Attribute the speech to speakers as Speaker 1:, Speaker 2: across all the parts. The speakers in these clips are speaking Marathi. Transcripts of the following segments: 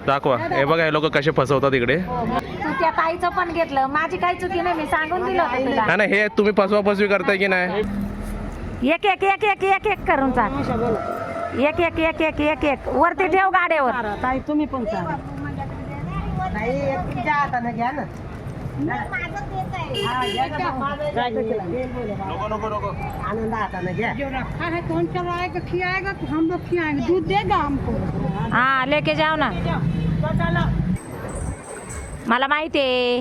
Speaker 1: दाखवा. हे बघा हे लोक कसे फसवतात इकडे.
Speaker 2: तू त्या ताईचं पण घेतलं, माझी काही चुकी नाही, मी सांगून दिलं होतं तुला.
Speaker 1: नाही हे तुम्ही फसवाफसवी करताय की नाही?
Speaker 2: एक एक एक एक एक एक करून चाल. एक एक एक एक एक एक वरती ठेव गाड्यावर.
Speaker 3: ताई तुम्ही पण चाला. ताई तुमच्या हाताने घ्या ना. आनंद हाताने घ्या. कौन चलाएगा खिलाएगा तो हम लोग खिलाएंगे, दूध देगा हमको.
Speaker 2: हाँ लेके जाओ ना. मला माहिती आहे.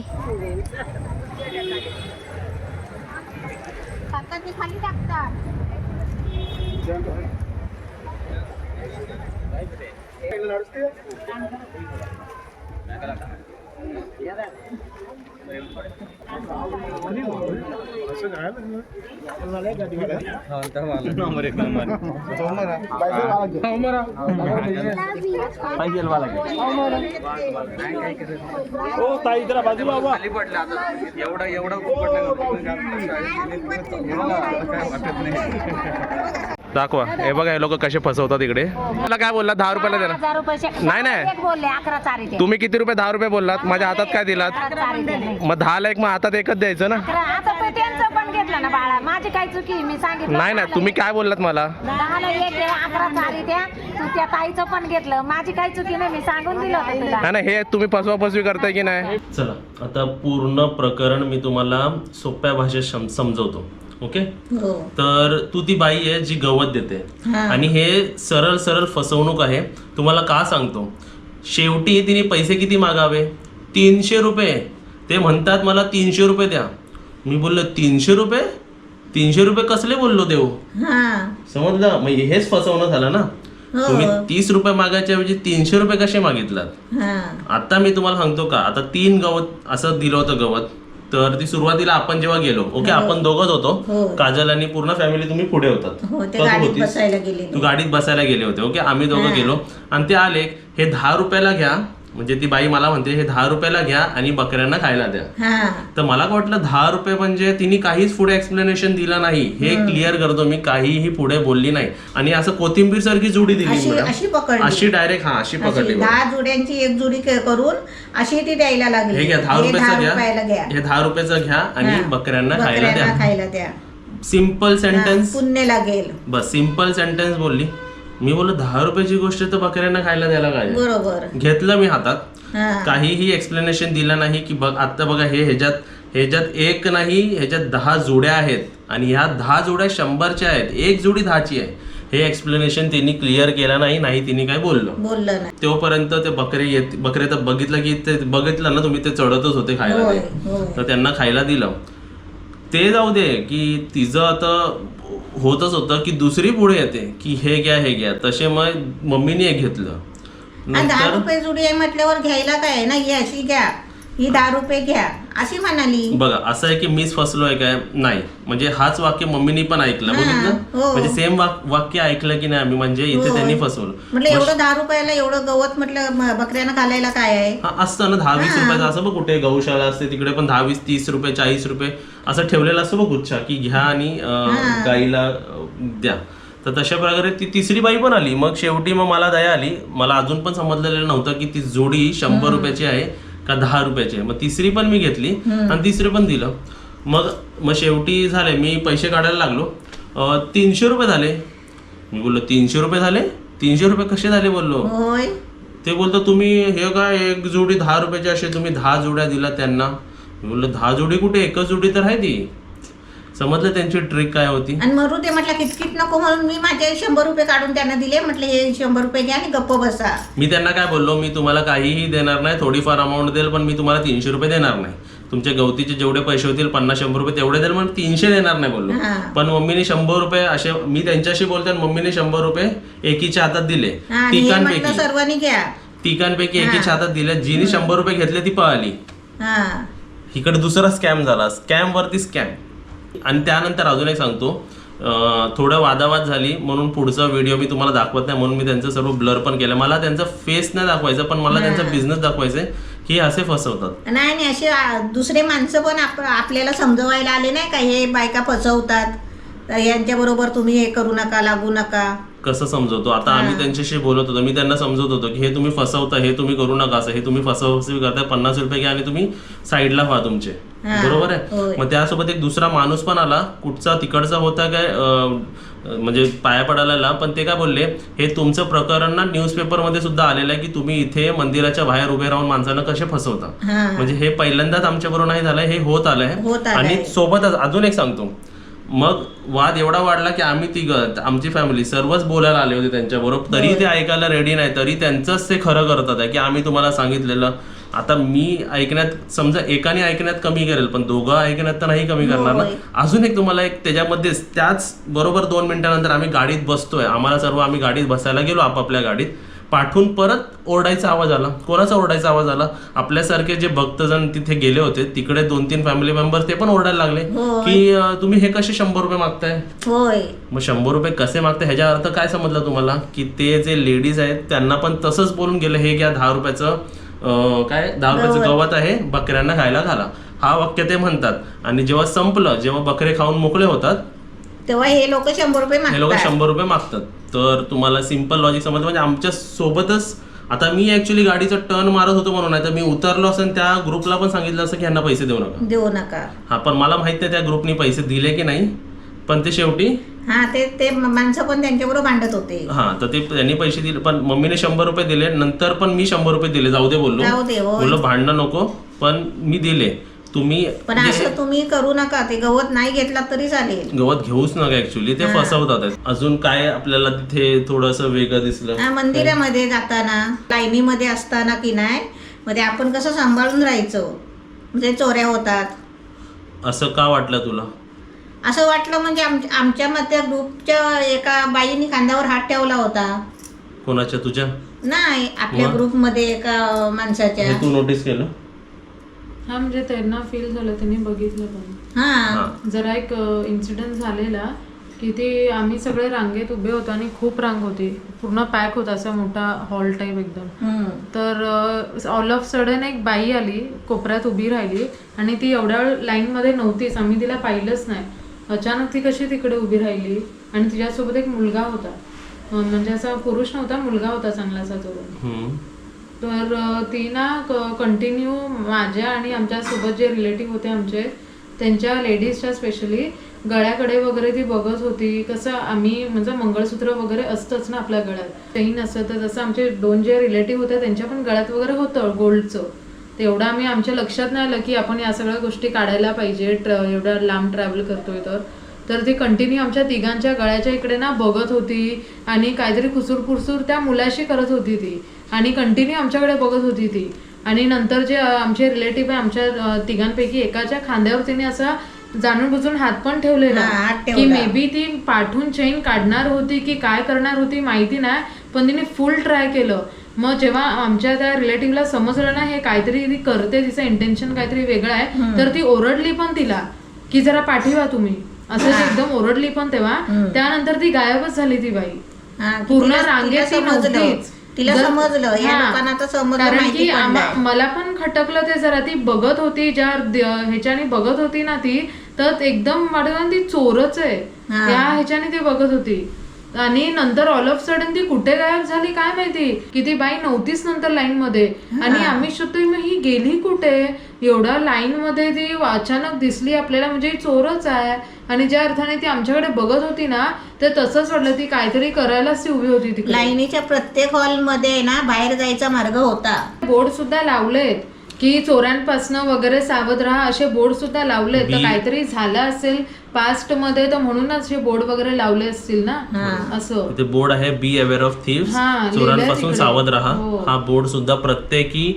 Speaker 2: खाली टाकतात.
Speaker 4: ताई जरा बाजूला बाबा.
Speaker 1: दाखवा. हे बघा हे लोक कसे फसवतात इकडे. मला काय बोलला 10 रुपयाला देणार?
Speaker 2: 1000 रुपये.
Speaker 1: नाही, नाही.
Speaker 2: एक बोलले 11 चारी ते.
Speaker 1: तुम्ही किती रुपये 10 रुपये बोललात? माझ्या हातात काय दिलात?
Speaker 2: 11 चारी ते नाही.
Speaker 1: मग 10 ला एक मग हातात एकच द्यायचं ना.
Speaker 2: आता तू त्यांचं पण घेतलं ना बाळा, माझी काही चुकी, मी सांगितलं.
Speaker 1: नाही नाही तुम्ही काय बोललात मला?
Speaker 2: 10 ला एक द्या, 11 चारी द्या. तू त्या ताईचं पण घेतलं, माझी काही चुकी नाही, मी सांगून दिलं होतं तुला.
Speaker 1: नाही हे तुम्ही फसवाफसवी करताय की नाही?
Speaker 5: चला आता पूर्ण प्रकरण मी तुम्हाला सोप्या भाषेत समजवतो. ओके. तर तू ती बाई आहे जी गवत देते आणि हे सरळ सरळ फसवणूक आहे. तुम्हाला का सांगतो, शेवटी तिने पैसे किती मागावे? 300 रुपये. ते म्हणतात मला 300 रुपये द्या. मी बोललो 300 रुपये? 300 रुपये कसले बोललो देऊ? समजलं? मग हेच फसवणं झालं ना. तुम्ही 30 रुपये मागायच्या ऐवजी 300 रुपये कसे मागितलात? आता मी तुम्हाला सांगतो का, आता 3 गवत असं दिलं होतं गवत. तर ती सुरुवातीला आपण जेव्हा गेलो, ओके, आपण दोघंच होतो, काजल आणि पूर्ण फॅमिली, तुम्ही पुढे होतात. तू गाडीत बसायला गेले होते. ओके, आम्ही दोघं गेलो आणि ते आले, हे 10 रुपयाला घ्या. म्हणजे ती बाई मला म्हणते हे 10 रुपयाला घ्या आणि बकऱ्यांना खायला द्या. तर मला काय वाटलं 10 रुपये म्हणजे तिने काहीच पुढे एक्सप्लेनेशन दिलं नाही. हे क्लिअर करतो मी, काहीही पुढे बोलली नाही. आणि असं कोथिंबीर सारखी जोडी दिली, अशी डायरेक्ट अशी पकडली.
Speaker 6: 10 जोड्यांची एक जोडी करून अशी ती द्यायला लागली.
Speaker 5: हे घ्या 10 रुपयाचं घ्या, हे 10 रुपयाचं घ्या आणि बकऱ्यांना खायला द्या. सिम्पल सेंटेन्स,
Speaker 6: पुण्य लागेल.
Speaker 5: बस सिम्पल सेंटेन्स बोलली. मी बोललो 10 रुपयाची गोष्ट तर बकऱ्यांना खायला द्यायला काय?
Speaker 6: बरोबर.
Speaker 5: घेतलं मी हातात, काहीही एक्सप्लेनेशन दिलं नाही की बघ आता बघा हे ह्याच्यात एक नाही, ह्याच्यात 10 जोड्या आहेत आणि ह्या 10 जोड्या 100च्या आहेत, एक जोडी 10ची आहे. हे एक्सप्लेनेशन त्यांनी क्लिअर केलं नाही तिने काय बोललं
Speaker 6: नाही.
Speaker 5: तोपर्यंत ते बकरे तर बघितलं की ते बघितलं ना तुम्ही, ते चढतच होते खायला. तर त्यांना खायला दिलं. ते जाऊ दे की तिचं आता होतच होतं की दुसरी पुढे येते की हे घ्या. तसे मग मम्मीने एक घेतलं.
Speaker 6: 10 रुपये जोडी आहे म्हटल्यावर घ्यायला काय ना, ही अशी घ्या, ही 10 रुपये घ्या अशी म्हणाली.
Speaker 5: बघा असं आहे की मीच फसलोय काय? नाही, म्हणजे हाच वाक्य मम्मीने पण ऐकलं. बघितलं, म्हणजे सेम वाक्य ऐकलं की नाही आम्ही, म्हणजे इथे त्यांनी फसवलं.
Speaker 6: म्हटलं एवढं 10 रुपयाला एवढं गवत म्हटलं बकऱ्यांना घालायला काय आहे?
Speaker 5: असतं ना 10-20 रुपयाचं. असं बघ कुठे गौशाला असते तिकडे पण 10-20-30 रुपये 40 रुपये असं ठेवलेलं असतं बघ गुच्छा, की घ्या आणि गाईला द्या. तर तशा प्रकारे ती तिसरी बाई पण आली. मग शेवटी मग मला दया आली. मला अजून पण समजलेलं नव्हतं की ती जोडी 100 रुपयाची आहे का 10 रुपयाची आहे. मग तिसरी पण मी घेतली आणि तिसरी पण दिलं. मग शेवटी झाले, मी पैसे काढायला लागलो. 300 रुपये झाले. मी बोललो 300 रुपये झाले? 300 रुपये कसे झाले बोललो. ते बोलतो तुम्ही हे काय एक जोडी 10 रुपयाची असे तुम्ही 10 जोड्या दिला त्यांना. मी बोललो 10 जोडी कुठे, एकच जोडी तर आहे ती. समजलं त्यांची ट्रिक काय होती.
Speaker 6: आणि मरू ते म्हटलं किटकिट नको म्हणून मी माझे 100 रुपये काढून त्यांना दिले. म्हटलं हे 100 रुपये घ्या आणि गप्प बसा.
Speaker 5: मी त्यांना काय बोललो, मी तुम्हाला काहीही देणार नाही, थोडीफार अमाऊंट देईल पण मी तुम्हाला 300 रुपये देणार नाही. तुमच्या गवतीचे जेवढे पैसे होतील 50-100 रुपये तेवढे देईल, पण 300 देणार नाही बोललो. पण मम्मीने 100 रुपये असे, मी त्यांच्याशी बोलते मम्मीने 100 रुपये एकीच्या हातात दिले.
Speaker 6: सर्वांनी घ्या.
Speaker 5: तिघांपैकी एकीच्या हातात दिले. जिने 100 रुपये घेतले ती पळाली. इकडे दुसरा स्कॅम झाला, स्कॅम वरती स्कॅम. आणि त्यानंतर अजून एक सांगतो, थोडं वादावाद झाली म्हणून पुढचा व्हिडिओ मी तुम्हाला दाखवत नाही, म्हणून मी त्यांचं सर्व ब्लर पण केलं. मला त्यांचा फेस नाही दाखवायचं, पण मला त्यांचा बिझनेस दाखवायचा की असे फसवतात.
Speaker 6: नाही असे दुसरे माणसं पण आपल्याला समजवायला आले नाही का, हे बायका फसवतात, यांच्या बरोबर तुम्ही हे करू नका, लागू नका.
Speaker 5: कसं समजवतो. आता आम्ही त्यांच्याशी बोलत होतो, मी त्यांना समजवत होतो की हे तुम्ही फसवता, हे तुम्ही करू नका, असं हे तुम्ही फसवणूक करताय, 50 रुपये घ्या आणि तुम्ही साईडला व्हा तुमचे, बरोबर आहे. मग त्यासोबत एक दुसरा माणूस पण आला, कुठचा तिकडचा होता काय म्हणजे पाया पडायला, पण ते काय बोलले, हे तुमचं प्रकरण ना न्यूजपेपरमध्ये सुद्धा आलेलं आहे की तुम्ही इथे मंदिराच्या बाहेर उभे राहून माणसांना कसे फसवता. म्हणजे हे पहिल्यांदाच आमच्याबरोबर नाही झालंय, हे होत आलंय. आणि सोबतच अजून एक सांगतो, मग वाद एवढा वाढला की आम्ही आमची फॅमिली सर्वच बोलायला आले होते त्यांच्याबरोबर, तरी ते ऐकायला रेडी नाही, तरी त्यांचंच ते खरं करतात आहे की आम्ही तुम्हाला सांगितलेलं. आता मी ऐकण्यात, समजा एकाने ऐकण्यात कमी करेल, पण दोघं ऐकण्यात तर नाही कमी करणार ना. अजून एक तुम्हाला एक त्याच्यामध्येच, त्याच बरोबर 2 मिनिटानंतर आम्ही गाडीत बसतोय, आम्ही गाडीत बसायला गेलो आपापल्या गाडीत, पाठून परत ओरडायचा आवाज आला. कोणाचा ओरडायचा आवाज आला? आपल्यासारखे जे भक्तजण तिथे गेले होते, तिकडे 2-3 फॅमिली मेंबर ते पण ओरडायला लागले की तुम्ही हे कसे 100 रुपये मागताय. मग 100 रुपये कसे मागताय ह्याचा अर्थ काय समजला तुम्हाला, की ते जे लेडीज आहेत त्यांना पण तसंच बोलून गेलं, हे घ्या 10 रुपयाचं 10 रुपयाचं गवत आहे, बकऱ्यांना खायला घाला, हा वाक्य ते म्हणतात. आणि जेव्हा संपलं, जेव्हा बकरे खाऊन मोकळे होतात,
Speaker 6: तेव्हा हे लोक 100 रुपये
Speaker 5: मागतात. तर तुम्हाला सिंपल लॉजिक समजलं. म्हणजे आमच्या सोबतच, आता मी ऍक्च्युली गाडीचं टर्न मारत होतो म्हणून, नाही तर मी उतरलो असं त्या ग्रुपला पण सांगितलं असं की यांना पैसे देऊ नका. हा, पण मला माहित नाही त्या ग्रुपने पैसे दिले की नाही, पण ते शेवटी
Speaker 6: ते माणसं पण त्यांच्याबरोबर भांडत होते.
Speaker 5: हा, तर ते त्यांनी पैसे दिले, पण मम्मीने 100 रुपये दिले, नंतर पण मी 100 रुपये दिले, जाऊ दे बोललो भांडणं नको, पण मी दिले. तुम्ही
Speaker 6: पण असं तुम्ही करू नका, ते गवत नाही घेतला तरी चालेल,
Speaker 5: गवत घेऊच नका, ऍक्च्युली ते फसवतात. अजून काय आपल्याला तिथे थोडस वेगळं दिसलं,
Speaker 6: मंदिरामध्ये जाताना लाईनीमध्ये असताना की नाही, मध्ये आपण कसं सांभाळून राहायचं, म्हणजे चोऱ्या होतात.
Speaker 5: असं का वाटलं तुला?
Speaker 6: असं वाटलं म्हणजे आमच्या मध्ये ग्रुपच्या एका बाईने खांद्यावर हात ठेवला होता.
Speaker 5: कोणाच्या? तुझ्या?
Speaker 6: नाही, आपल्या ग्रुपमध्ये एका माणसाच्या.
Speaker 5: तू नोटीस केलं?
Speaker 4: हा, म्हणजे त्यांना फील झालं, त्यांनी बघितलं पण. जरा एक इन्सिडेंट झालेला की ते आम्ही सगळे रांगेत उभे होतो आणि खूप रांग होती, पूर्ण पॅक होता, असा मोठा हॉल टाईप एकदम. तर ऑल ऑफ सडन एक बाई आली, कोपऱ्यात उभी राहिली आणि ती एवढ्या लाईनमध्ये नव्हतीच, आम्ही तिला पाहिलंच नाही. अचानक ती कशी तिकडे उभी राहिली आणि तिच्यासोबत एक मुलगा होता, म्हणजे असा पुरुष नव्हता, मुलगा होता चांगलासा तरुण. तर ती ना कंटिन्यू माझ्या आणि आमच्या सोबत जे रिलेटिव्ह होते आमचे, त्यांच्या लेडीजच्या स्पेशली गळ्याकडे वगैरे ती बघत होती. कसं आम्ही म्हणजे मंगळसूत्र वगैरे असतंच ना आपल्या गळ्यात, चैन असतं, तर तसं आमचे 2 जे रिलेटिव्ह होते त्यांच्या पण गळ्यात वगैरे होतं गोल्डचं. तेवढं आम्ही आमच्या लक्षात नाही आलं की आपण या सगळ्या गोष्टी काढायला पाहिजे, एवढं लांब ट्रॅव्हल करतोय तर ती कंटिन्यू आमच्या तिघांच्या गळ्याच्या इकडे ना बघत होती आणि काहीतरी खुसूर त्या मुलाशी करत होती ती, आणि कंटिन्यू आमच्याकडे बघत होती ती. आणि नंतर जे आमचे रिलेटिव्ह आहे, आमच्या तिघांपैकी एकाच्या खांद्यावर तिने असा जाणून बुजून हात पण ठेवलेला की मे बी ती पाठवून चेन काढणार होती की काय करणार होती माहिती नाही, पण तिने फुल ट्राय केलं. मग जेव्हा आमच्या त्या रिलेटिव्हला समजलं ना हे काहीतरी ती करते, तिचं इंटेन्शन काहीतरी वेगळं आहे, तर ती ओरडली पण तिला की जरा पाठीवा तुम्ही, असं एकदम ओरडली पण. तेव्हा त्यानंतर ती गायबच झाली ती बाई, पूर्ण रांगेत ती नव्हतीच.
Speaker 6: तिला समजलं, या लोकांना तर समजलं,
Speaker 4: कारण की मला पण खटकलं ते जरा. ती बघत होती, ज्या ह्याच्याने बघत होती ना ती, तर एकदम वाटत ती चोरच आहे त्या ह्याच्याने ती बघत होती. आणि नंतर ऑल ऑफ सडन ती कुठे गायब झाली काय माहिती, की ती बाई नव्हतीच नंतर लाईन मध्ये. आणि आम्ही शोधतोय मग ही गेली कुठे, एवढ्या लाईन मध्ये ती अचानक दिसली आपल्याला, म्हणजे ही चोरच आहे. आणि ज्या अर्थाने ती आमच्याकडे बघत होती ना, तर तसंच वाटलं ती काहीतरी करायलाच ती उभी होती तिकडे.
Speaker 6: लाईनीच्या प्रत्येक हॉलमध्ये ना बाहेर जायचा मार्ग होता.
Speaker 4: बोर्ड सुद्धा लावलेत की चोऱ्यांपासनं वगैरे सावध राहा, असे बोर्ड सुद्धा लावलेत. तर काहीतरी झालं असेल पास्ट मध्ये, तर म्हणूनच हे बोर्ड वगैरे लावले असतील ना. असं
Speaker 5: ते बोर्ड आहे, बी अवेअर ऑफ थीव्स, चोरांपासून सावध राहा. हा बोर्ड सुद्धा प्रत्येकी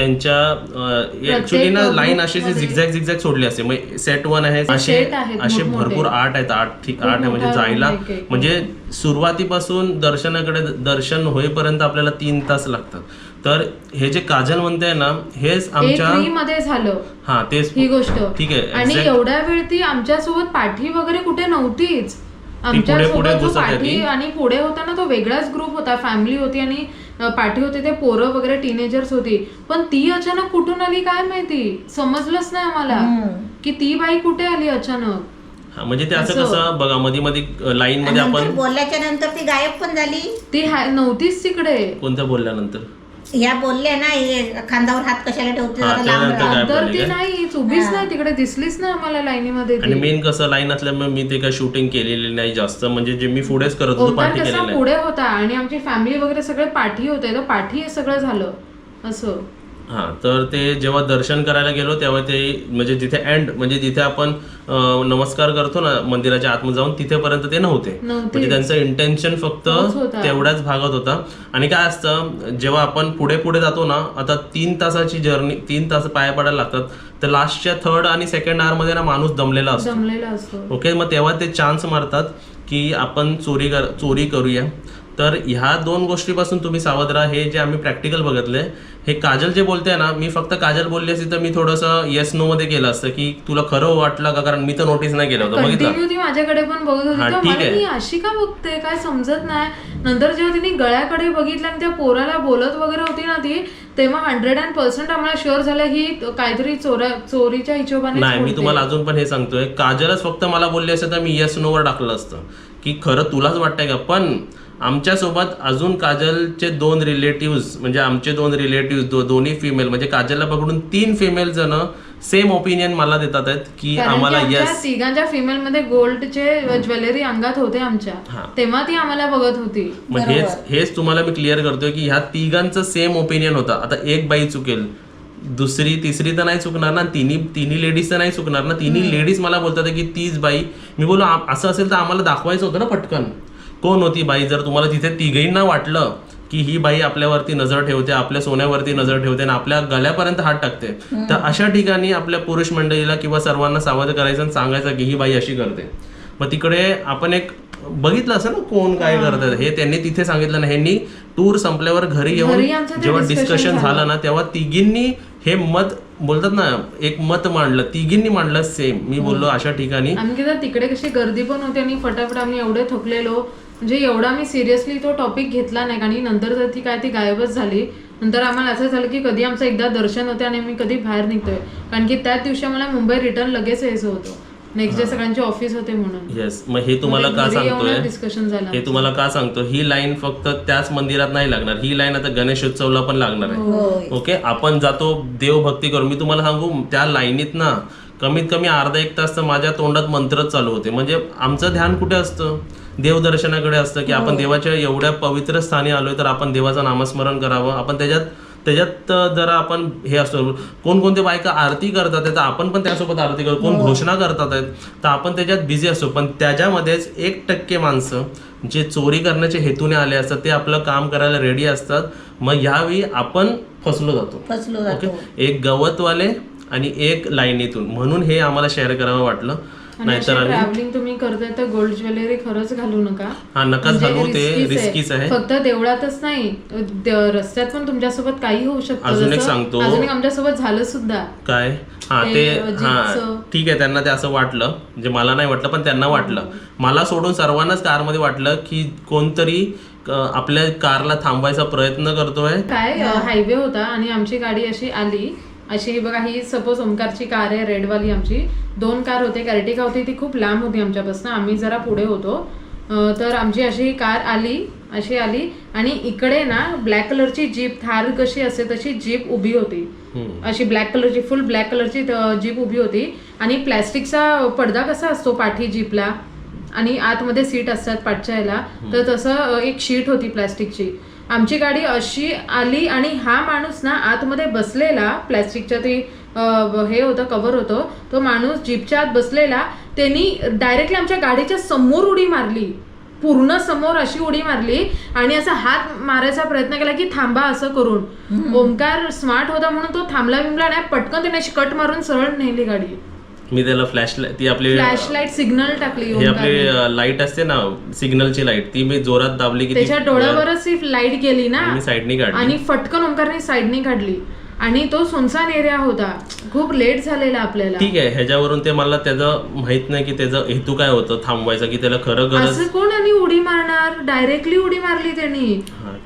Speaker 5: त्यांच्या ऍक्च्युली ना लाईन अशी झिगझॅग सोडली असते. म्हणजे सेट 1 आहे, असे भरपूर 8 आहेत. 8 आहे म्हणजे जायला, म्हणजे सुरुवातीपासून दर्शन होईपर्यंत आपल्याला 3 तास लागतात. तर हे जे काजल म्हणते ना, हेच आमच्या
Speaker 4: मध्ये झालं.
Speaker 5: हा, तेच ही गोष्ट ठीक आहे.
Speaker 4: आणि एवढ्या वेळ ती आमच्या सोबत पाठी वगैरे कुठे नव्हतीच. आमच्या सोबत जो पाठी आणि पुढे होता ना तो वेगळाच ग्रुप होता, फॅमिली होती आणि पाठी होते ते पोरं वगैरे टीनेजर्स होती. पण ती अचानक कुठून आली काय माहिती, समजलंच नाही आम्हाला की ती बाई कुठे आली अचानक.
Speaker 5: हा, म्हणजे ते असं कसं बघा मध्ये मध्ये लाईन मध्ये
Speaker 6: नंतर
Speaker 5: आपण
Speaker 6: बोलल्याच्या नंतर ती गायब पण झाली.
Speaker 4: ती नव्हतीच तिकडे.
Speaker 5: कोणत्या बोलल्यानंतर
Speaker 6: ह्या बोलल्या ना हे खांद्यावर हात कशाला ठेवते
Speaker 5: हा,
Speaker 6: जरा लांब
Speaker 5: त्यानंतर
Speaker 6: राहा.
Speaker 5: काय
Speaker 4: तर
Speaker 5: बोलली
Speaker 4: ती
Speaker 5: काय?
Speaker 4: नाही उभीच नाही तिकडे, दिसलीच नाही आम्हाला लाईनीमध्ये
Speaker 5: आणि
Speaker 4: ती.
Speaker 5: मेन कसं लाईन असल्यामुळे मी ते काय शूटिंग केलेली नाही जास्त, म्हणजे जे मी पुढेच करत होतो
Speaker 4: ओंकार
Speaker 5: पाठी
Speaker 4: कसा
Speaker 5: केलेलं नाही.
Speaker 4: पुढे होता आणि आमची फॅमिली वगैरे सगळे पाठी होते, तर पाठी हे सगळं झालं असं.
Speaker 5: हा, तर ते जेव्हा दर्शन करायला गेलो तेव्हा ते म्हणजे जिथे एंड म्हणजे जिथे आपण नमस्कार करतो ना मंदिराच्या आतमध्ये जाऊन तिथेपर्यंत ते नव्हते. म्हणजे त्यांचं इंटेन्शन फक्त
Speaker 4: तोच होता.
Speaker 5: तेवढ्याच भागात होता. आणि काय असतं जेव्हा आपण पुढे पुढे जातो ना, आता 3 तासाची जर्नी, 3 तास पाया पडायला लागतात, तर लास्टच्या 3rd आणि 2nd आवर मध्ये ना माणूस दमलेला असतो. ओके, मग तेव्हा ते चान्स मारतात की आपण चोरी करूया. तर ह्या 2 गोष्टीपासून तुम्ही सावध राहा. हे जे आम्ही प्रॅक्टिकल बघितले, हे काजल जे बोलते ना, मी फक्त काजल बोलली असती तर मी थोडंसं येस नो मध्ये केलं असतं की तुला खरं वाटलं का, कारण मी तर नोटीस नाही केलं होतं.
Speaker 4: कंटिन्यू ती माझ्याकडे पण बघत होती,
Speaker 5: हा,
Speaker 4: तर
Speaker 5: ठीक
Speaker 4: मला
Speaker 5: आहे.
Speaker 4: मी अशी का बघते काय समजत नाही. नंतर जेव्हा तिने गळ्याकडे बघितलं आणि त्या पोराला बोलत वगैरे होती ना ती, तेव्हा 100% आम्हाला शुअर झालं ही काहीतरी चोरीच्या हिशोबाने.
Speaker 5: नाही, मी तुम्हाला अजून पण हे सांगतोय, काजलच फक्त मला बोलली असतं तर मी येस नो वर टाकलं असतं की खरं तुलाच वाटतंय का. पण आमच्यासोबत अजून काजलचे 2 रिलेटिव्ह, म्हणजे आमचे 2 रिलेटिव्ह दोन्ही फिमेल, म्हणजे काजलला पकडून 3 फिमेल जण सेम ओपिनियन मला देतात आहेत की आम्हाला येस.
Speaker 4: तिघांच्या फिमेल मध्ये गोल्डचे ज्वेलरी अंगात होते आमच्या, तेव्हा ती आम्हाला बघत होती.
Speaker 5: मग हेच तुम्हाला मी क्लिअर करतोय की ह्या तिघांचं सेम ओपिनियन होता. आता एक बाई चुकेल, दुसरी तिसरी तर नाही चुकणार ना, तिन्ही लेडीज तर नाही चुकणार ना. तिन्ही लेडीज मला बोलतात की तीच बाई. मी बोललो असं असेल तर आम्हाला दाखवायचं होतं ना पटकन कोण होती बाई. जर तुम्हाला तिथे तिघींना वाटलं की ही बाई आपल्यावरती नजर ठेवते, आपल्या सोन्यावरती नजर ठेवते आणि आपल्या गळ्यापर्यंत हात टाकते, तर अशा ठिकाणी आपल्या पुरुष मंडळीला किंवा सर्वांना सावध करायचं आणि सांगायचं की ही बाई अशी करते. मग तिकडे आपण एक बघितलं असं ना कोण काय करतात, हे त्यांनी तिथे सांगितलं ना. ह्यांनी टूर संपल्यावर घरी येऊन जेव्हा डिस्कशन झालं ना, तेव्हा तिघींनी हे मत बोलतात ना, एक मत मांडलं, तिघींनी मांडलं सेम. मी बोललो अशा ठिकाणी
Speaker 4: आम्ही तिकडे कशी गर्दी पण होती आणि फटाफट आम्ही एवढे थकलेलो, म्हणजे एवढा मी सिरियसली तो टॉपिक घेतला नाही. आणि नंतर तर ती गायबच झाली. नंतर आम्हाला असं झालं की कधी आमचं एकदा दर्शन होते आणि मी कधी बाहेर निघतोय, कारण की त्याच दिवशी आम्हाला मुंबई रिटर्न लगेच यायचं होतं. नेक्स्ट डे सगळ्यांचे ऑफिस होते म्हणून.
Speaker 5: येस, मग हे तुम्हाला का सांगतोय,
Speaker 4: डिस्कशन झालं
Speaker 5: हे तुम्हाला का सांगतो, ही लाईन फक्त त्याच मंदिरात नाही लागणार, ही लाईन आता गणेशोत्सवला पण लागणार आहे. ओके, आपण जातो देवभक्ती करू. मी तुम्हाला सांगू, त्या लाईनीत ना कमीत कमी अर्धा 1 तास तर माझ्या तोंडात मंत्रच चालू होते. म्हणजे आमचं ध्यान कुठे असतं, देवदर्शनाकडे असतं की आपण देवाच्या एवढ्या पवित्र स्थानी आलोय तर आपण देवाचं नामस्मरण करावं. आपण त्याच्यात जरा आपण हे असतो, कोणकोणते बायका आरती करतात तर आपण पण त्यासोबत आरती करतो, कोण घोषणा करतात आहेत तर आपण त्याच्यात बिझी असतो. पण त्याच्यामध्येच 1% माणसं जे चोरी करण्याच्या हेतूने आले असतात, ते आपलं काम करायला रेडी असतात. मग यावेळी आपण फसलो जातो. ओके, एक गवतवाले आणि एक लाईनीतून, म्हणून हे आम्हाला शेअर करावं वाटलं. नाहीतर
Speaker 4: ट्रॅव्हलिंग तुम्ही करताय तर गोल्ड ज्वेलरी खरंच घालू नका.
Speaker 5: हा, नकाच घालू, ते रिस्कीच आहे.
Speaker 4: फक्त देवळातच नाही, रस्त्यात पण तुमच्यासोबत काही होऊ शकतं.
Speaker 5: अजून एक सांगतो,
Speaker 4: अजून एक आमच्यासोबत झालं सुद्धा.
Speaker 5: काय? हा, ठीक आहे, त्यांना ते असं वाटलं, म्हणजे मला नाही वाटलं पण त्यांना वाटलं. मला सोडून सर्वांनाच कारमध्ये वाटलं की कोणतरी आपल्या कारला थांबवायचा प्रयत्न करतोय.
Speaker 4: काय हायवे होता आणि आमची गाडी अशी आली, अशी बघा, ही सपोज ओमकारची कार आहे रेडवाली. आमची 2 कार होते, कार्टिका होती, ती खूप लांब होती आमच्यापासून, आम्ही जरा पुढे होतो. तर आमची अशी कार अशी आली आणि इकडे ना ब्लॅक कलरची जीप, थार कशी असते तशी जीप उभी होती, अशी ब्लॅक कलरची, फुल ब्लॅक कलरची जीप उभी होती. आणि प्लॅस्टिकचा पडदा कसा असतो पाठी जीपला आणि आतमध्ये सीट असतात पाठच्या ह्याला, तर तसं एक शीट होती प्लॅस्टिकची. आमची गाडी अशी आली आणि हा माणूस ना आतमध्ये बसलेला, प्लॅस्टिकच्या ते हे होतं, कव्हर होतं, तो माणूस जीपच्या आत बसलेला, त्यांनी डायरेक्टली आमच्या गाडीच्या समोर उडी मारली, पूर्ण समोर अशी उडी मारली आणि असा हात मारायचा प्रयत्न केला की थांबा असं करून. ओंकार स्मार्ट होता म्हणून तो थांबला बिंबला नाही, पटकन त्याने अशी कट मारून सरळ नेली गाडी.
Speaker 5: मी त्याला फ्लॅशलाईट, ती आपली
Speaker 4: फ्लॅशलाईट सिग्नल टाकली,
Speaker 5: ही आपली लाईट असते ना सिग्नलची लाईट, ती मी जोरात दाबली की
Speaker 4: त्याच्या डोळ्यावरच ती लाईट गेली ना,
Speaker 5: मी साईडनी काढली
Speaker 4: आणि फटकन ओंकारने साईडनी काढली. आणि तो सुनसान एरिया होता, खूप लेट झालेला आपल्याला.
Speaker 5: ठीक आहे, ह्याच्यावरून ते मला त्याचं माहित नाही की त्याचा हेतू काय होतं थांबवायचा, की त्याला खरं गरज.
Speaker 4: असं कोण आणि उडी मारणार, डायरेक्टली उडी मारली त्यांनी.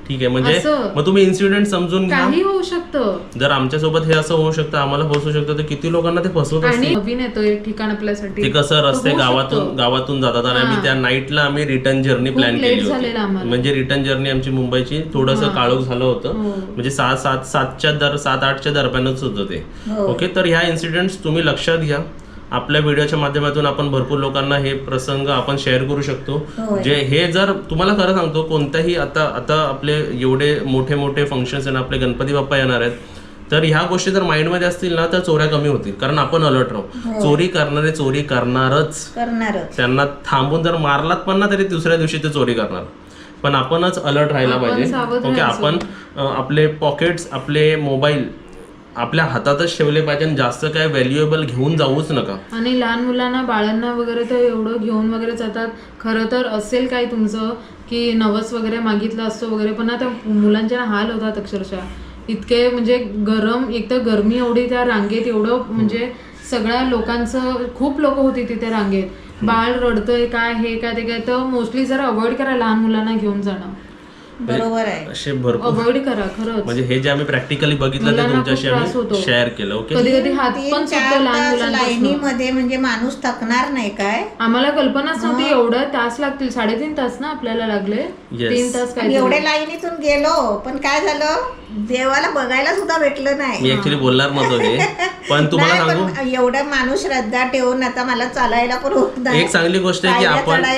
Speaker 5: ठीक आहे, म्हणजे
Speaker 4: असं.
Speaker 5: मग तुम्ही इन्सिडेंट समजून घ्या.
Speaker 4: काही होऊ शकतं.
Speaker 5: जर आमच्यासोबत हे असं होऊ शकतं, आम्हाला फसवू शकतं, तर किती लोकांना ते फसवत
Speaker 4: आणि
Speaker 5: असतील.
Speaker 4: नवीन येतोय ठिकाण आपल्यासाठी.
Speaker 5: ते कसं रस्ते
Speaker 4: होऊ
Speaker 5: गावातून जातात आणि आम्ही त्या नाईटला आम्ही रिटर्न जर्नी
Speaker 4: खूप
Speaker 5: प्लॅन
Speaker 4: late
Speaker 5: केली
Speaker 4: झालेलं
Speaker 5: होती.
Speaker 4: आम्हाला.
Speaker 5: म्हणजे रिटर्न जर्नी आमची मुंबईची थोडंसं काळोख झालं होतं, म्हणजे 7-8च्या दरम्यानच होतं ते. ओके, तर ह्या इन्सिडेंट्स तुम्ही लक्षात घ्या. आपल्या व्हिडिओच्या माध्यमातून आपण भरपूर लोकांना हे प्रसंग आपण शेअर करू शकतो. जे हे जर तुम्हाला खरं सांगतो, कोणत्याही आता आपले एवढे मोठे मोठे फंक्शन्स आहे, आपले गणपती बाप्पा येणार आहेत, तर ह्या गोष्टी जर माइंडमध्ये असतील ना तर चोऱ्या कमी होतील, कारण आपण अलर्ट राहू. चोरी करणारे चोरी करणारच. त्यांना थांबून जर मारलात पण ना तरी दुसऱ्या दिवशी ते चोरी करणार. पण आपणच अलर्ट राहायला पाहिजे. ओके, आपण आपले पॉकेट्स, आपले मोबाईल आपल्या हातातच ठेवले पाहिजे, जास्त काय व्हॅल्युएबल घेऊन जाऊच नका.
Speaker 4: आणि लहान मुलांना, बाळांना वगैरे तर एवढं घेऊन वगैरे जातात. खरं तर असेल काय तुमचं की नवस वगैरे मागितलं असतो वगैरे, पण आता मुलांचे हाल होतात अक्षरशः. इतके म्हणजे गरम, एक तर गरमी एवढी त्या रांगेत, एवढं म्हणजे सगळ्या लोकांचं, खूप लोक होती तिथे रांगेत. बाळ रडतंय काय, हे काय ते काय, तर मोस्टली जरा अवॉइड करा लहान मुलांना घेऊन जाणं.
Speaker 6: बरोबर आहे,
Speaker 5: असे भरपूर
Speaker 4: अवॉइड करा खरंच.
Speaker 5: म्हणजे हे जे आम्ही प्रॅक्टिकली बघितलं ते तुमच्याशी आम्ही शेअर केलं. ओके,
Speaker 4: कधी कधी हात पण सुटतो लहान मुलांना.
Speaker 6: लाईनीमध्ये म्हणजे माणूस थकणार नाही काय?
Speaker 4: आम्हाला कल्पनाच नव्हती एवढं तास लागतील. 3.5 तास ना आपल्याला लागले. 3 तास काय
Speaker 6: एवढे लाईनीतून गेलो, पण काय झालं, देवाला बघायला सुद्धा भेटलं नाही.
Speaker 5: मी ऍक्च्युली बोलणार नव्हतो हे, पण तुम्हाला
Speaker 6: नाही,
Speaker 5: सांगू,
Speaker 6: पण एवढं माणूस श्रद्धा ठेवून आता मला चालायला पण होत नाही.
Speaker 5: एक चांगली गोष्ट आहे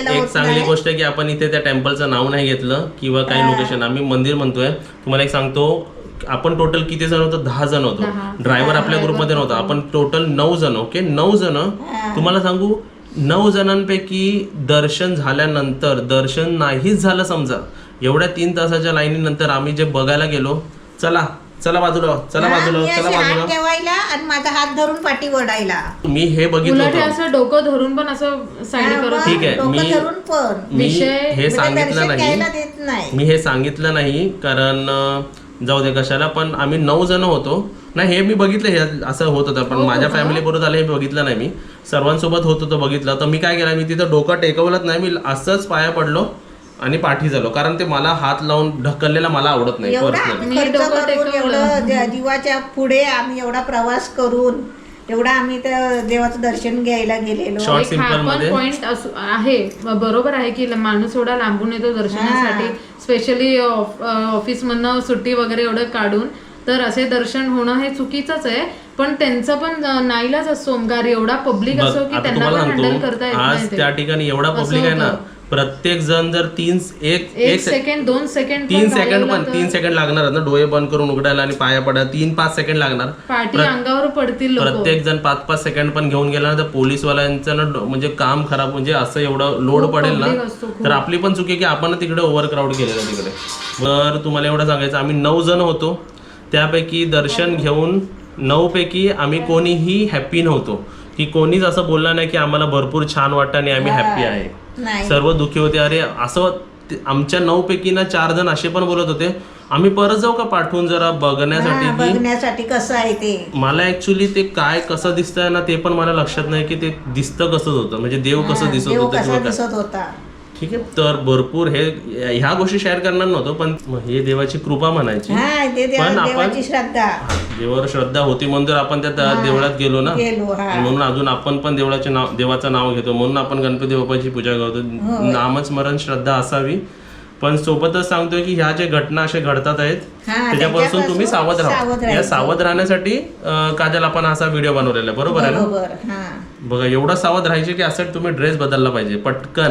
Speaker 5: की आपण इथे त्या टेम्पलचं नाव नाही घेतलं किंवा काही लोकेशन, आम्ही मंदिर म्हणतोय. तुम्हाला एक सांगतो, आपण टोटल किती जण होतो? 10 जण होतो. ड्रायव्हर आपल्या ग्रुपमध्ये नव्हता. आपण टोटल 9 जण. ओके, 9 जण. तुम्हाला सांगू, 9 जणांपैकी दर्शन झाल्यानंतर, दर्शन नाहीच झालं समजा, एवढ्या 3 तासाच्या लाईनीनंतर आम्ही जे बघायला गेलो, चला बाजूला, चला बाजूला
Speaker 6: ठेवायला आणि माझा हात धरून पाठी ओढायला.
Speaker 5: मी हे बघितलं होतं.
Speaker 4: असं डोकं धरून पण असं साईड करत.
Speaker 5: ठीक आहे, मी हे सांगितलं नाही, मी हे सांगितलं नाही कारण जाऊ दे कशाला, पण आम्ही 9 जण होतो. नाही, हे मी बघितलं, हे असं होत होतं, पण माझ्या फॅमिली बरोबर झालं हे बघितलं नाही. मी सर्वांसोबत होत होतं, बघितलं. तर मी काय केलं, मी तिथं डोकं टेकवलंच नाही, मी असंच पाया पडलो आणि पाठी झालो, कारण ते मला हात लावून ढकललेला मला आवडत नाही पर्सनली.
Speaker 6: एवढं जीवाच्या पुढे आम्ही एवढा प्रवास करून एवढा आम्ही त्या देवाचं दर्शन घ्यायला गेलेलो.
Speaker 5: शॉर्ट सिंपल मध्ये
Speaker 4: पॉइंट आहे, बरोबर आहे की माणूस एवढा लांबून येतो दर्शनासाठी, स्पेशली ऑफिस मधनं सुट्टी वगैरे एवढं काढून, तर असे दर्शन होणं हे चुकीचंच आहे. पण त्यांचा पण नाईलाज असतो, ओमकार एवढा पब्लिक असो की त्यांना पण हँडल करता येत नाही.
Speaker 5: आज त्या ठिकाणी एवढा पब्लिक आहे ना, प्रत्येक जण जर 1
Speaker 4: सेकंड 2 सेकंड
Speaker 5: 3 सेकंड पण 3 सेकंड लागणार ना, डोळे बंद करून उघडायला आणि पाया पडायला 3-5 सेकंड लागणार.
Speaker 4: पाठी अंगावर पडतील.
Speaker 5: प्रत्येक जण 5-5 सेकंड पण घेऊन गेला ना, तर पोलीसवाल्यांचं ना म्हणजे काम खराब, म्हणजे असं एवढं लोड पडेल ना, तर आपली पण चुकी की आपण तिकडे ओव्हरक्राऊड केलेलं तिकडे. तर तुम्हाला एवढं सांगायचं, आम्ही 9 जण होतो. त्यापैकी दर्शन घेऊन 9 पैकी आम्ही कोणीही हॅप्पी नव्हतो, की कोणीच असं बोलला नाही की आम्हाला भरपूर छान वाटतं आणि आम्ही हॅप्पी आहे. सर्व दुःखी होते. अरे असं आमच्या 9 पैकी ना 4 जण असे पण बोलत होते, आम्ही परत जाऊ का पाठवून जरा
Speaker 6: बघण्यासाठी कसं आहे ते.
Speaker 5: मला ऍक्च्युली ते काय कसं दिसतंय ना ते पण मला लक्षात नाही की ते दिसतं कसं होतं, म्हणजे देव कसं दिसत होतं. ठीक आहे, तर भरपूर ह्या गोष्टी शेअर करणार नव्हतो, पण हे देवाची कृपा म्हणायची. पण आपण देवावर श्रद्धा होती म्हणून जर आपण त्या देवळात गेलो ना, म्हणून अजून आपण पण देवाचं नाव घेतो, म्हणून आपण गणपती बाप्पाची पूजा करतो. नामस्मरण श्रद्धा असावी. पण सोबतच सांगतोय की ह्या ज्या घटना अशा घडतात आहेत त्याच्यापासून तुम्ही सावध राहा. या सावध राहण्यासाठी काजल आपण असा व्हिडिओ बनवलेला आहे, बरोबर आहे ना? बघा, एवढा सावध राहायचे की असं तुम्ही ड्रेस बदलला पाहिजे पटकन.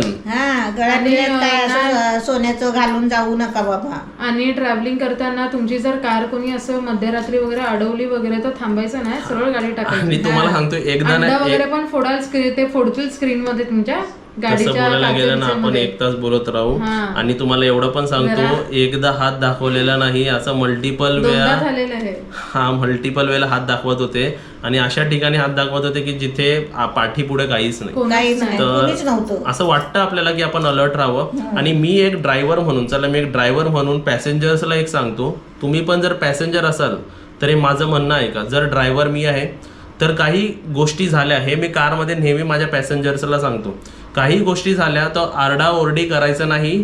Speaker 6: सोन्याचं घालून जाऊ नका बाबा.
Speaker 4: आणि ट्रॅव्हलिंग करताना तुमची जर कार कोणी असं मध्यरात्री वगैरे अडवली वगैरे तर थांबायचं नाही, सरळ गाडी टाकायची.
Speaker 5: मी तुम्हाला सांगतो, एकदा
Speaker 4: वगैरे पण ते फोडतील स्क्रीन मध्ये तुमच्या
Speaker 5: कसं बोलायला गेलं ना, आपण 1 तास बोलत राहू. आणि तुम्हाला एवढं पण सांगतो, एकदा हात दाखवलेला नाही, असं मल्टिपल वेळा हात दाखवत होते. आणि अशा ठिकाणी हात दाखवत होते की जिथे पाठी पुढे काहीच नाही. तर असं वाटतं आपल्याला की आपण अलर्ट राहावं. आणि मी एक ड्रायव्हर म्हणून पॅसेंजर्सला एक सांगतो, तुम्ही पण जर पॅसेंजर असाल तर हे माझं म्हणणं आहे का, जर ड्रायव्हर मी आहे तर काही गोष्टी झाल्या, हे मी कारमध्ये नेहमी माझ्या पॅसेंजर्सला सांगतो, काही गोष्टी झाल्या तर आरडाओरडी करायचं नाही,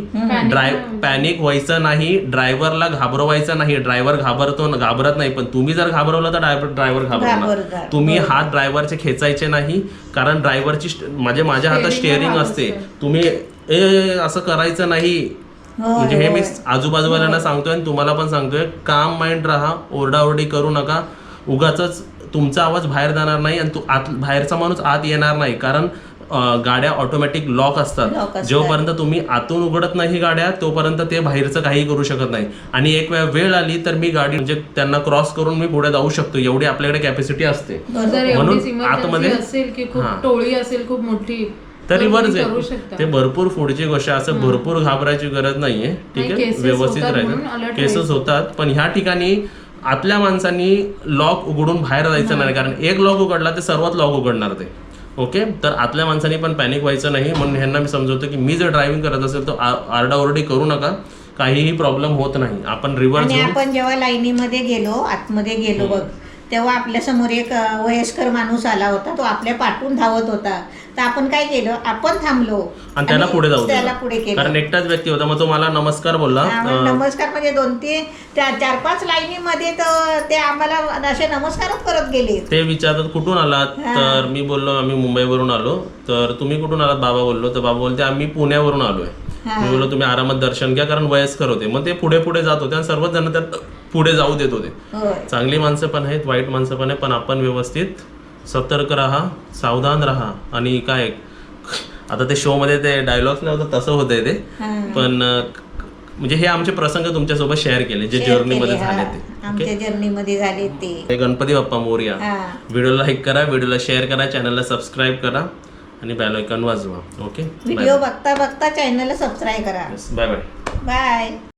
Speaker 5: पॅनिक व्हायचं नाही, ड्रायव्हरला घाबरवायचं नाही. ड्रायव्हर घाबरत नाही, पण तुम्ही जर घाबरवलं तर ड्रायव्हर घाबरणार. तुम्ही हात ड्रायव्हरचे खेचायचे नाही, कारण ड्रायव्हरची माझ्या हातात स्टिअरिंग असते. तुम्ही असं करायचं नाही. म्हणजे हे मी आजूबाजूवाल्यांना सांगतोय आणि तुम्हाला पण सांगतोय, काम माइंड राहा, ओरडाओरडी करू नका. उगाच तुमचा आवाज बाहेर जाणार नाही आणि बाहेरचा माणूस आत येणार नाही, कारण गाड्या ऑटोमॅटिक लॉक असतात. जोपर्यंत तुम्ही आतून उघडत नाही गाड्या, तोपर्यंत ते बाहेरचं काही करू शकत नाही. आणि एक वेळ आली तर मी गाडी म्हणजे त्यांना क्रॉस करून मी पुढे जाऊ शकतो, एवढी आपल्याकडे कॅपॅसिटी असते. म्हणून आतमध्ये
Speaker 4: असेल की खूप टोळी असेल खूप मोठी,
Speaker 5: तर रिव्हर्स आहे ते भरपूर पुढची गोष्ट. असं भरपूर घाबरायची गरज नाहीये. ठीक आहे, व्यवस्थित राहायचं. केसेस होतात, पण ह्या ठिकाणी आतल्या माणसांनी लॉक उघडून बाहेर जायचं नाही, कारण एक लॉक उघडला ते सर्वात लॉक उघडणार ते. ओके, तर आतल्या माणसांनी पण पॅनिक व्हायचं नाही. म्हणून ह्यांना मी समजवतो की मी जर ड्रायव्हिंग करत असेल तर आरडाओरडी करू नका, काहीही प्रॉब्लेम होत नाही. आपण रिव्हर्स.
Speaker 6: आपण जेव्हा लाईनीमध्ये गेलो, आतमध्ये गेलो बघ, तेव्हा आपल्या समोर एक वयस्कर माणूस आला होता, तो आपल्या पाठून धावत होता. तर आपण काय केलं, आपण थांबलो
Speaker 5: आणि त्याला पुढे जाऊ
Speaker 6: त्याला पुढे केलं,
Speaker 5: कारण एकटाच व्यक्ती होता. मग तो मला नमस्कार बोलला.
Speaker 6: नमस्कार म्हणजे 2-4-5 लाईनीमध्ये तर ते आम्हाला असे नमस्कारच करत गेले.
Speaker 5: ते विचारतात कुठून आलात, तर मी बोललो आम्ही मुंबईवरून आलो. तर तुम्ही कुठून आलात बाबा बोललो, तर बाबा बोलते आम्ही पुण्यावरून आलोय. मी बोललो तुम्ही आरामात दर्शन घ्या, कारण वयस्कर होते. मग ते पुढे पुढे जात होते आणि सर्वच जण त्यात पुढे जाऊ देत होते. चांगली माणसं पण आहेत, वाईट माणसं पण आहेत, पण आपण व्यवस्थित सतर्क राहा, सावधान राहा. आणि काय आता ते शो मध्ये ते डायलॉग्स नव्हतं तसं होतंय ते, पण म्हणजे हे आमचे प्रसंग तुमच्यासोबत शेअर केले जे जर्नीमध्ये झाले ते.
Speaker 6: आमच्या जर्नीमध्ये झाले ते.
Speaker 5: गणपती बाप्पा मोरया. व्हिडिओला लाईक करा, व्हिडिओला शेअर करा, चॅनलला सबस्क्राईब करा आणि बेल आयकॉन वाजवा. ओके,
Speaker 6: व्हिडिओ बघता बघता चॅनलला सबस्क्राईब करा.
Speaker 5: Bye bye.
Speaker 6: बाय.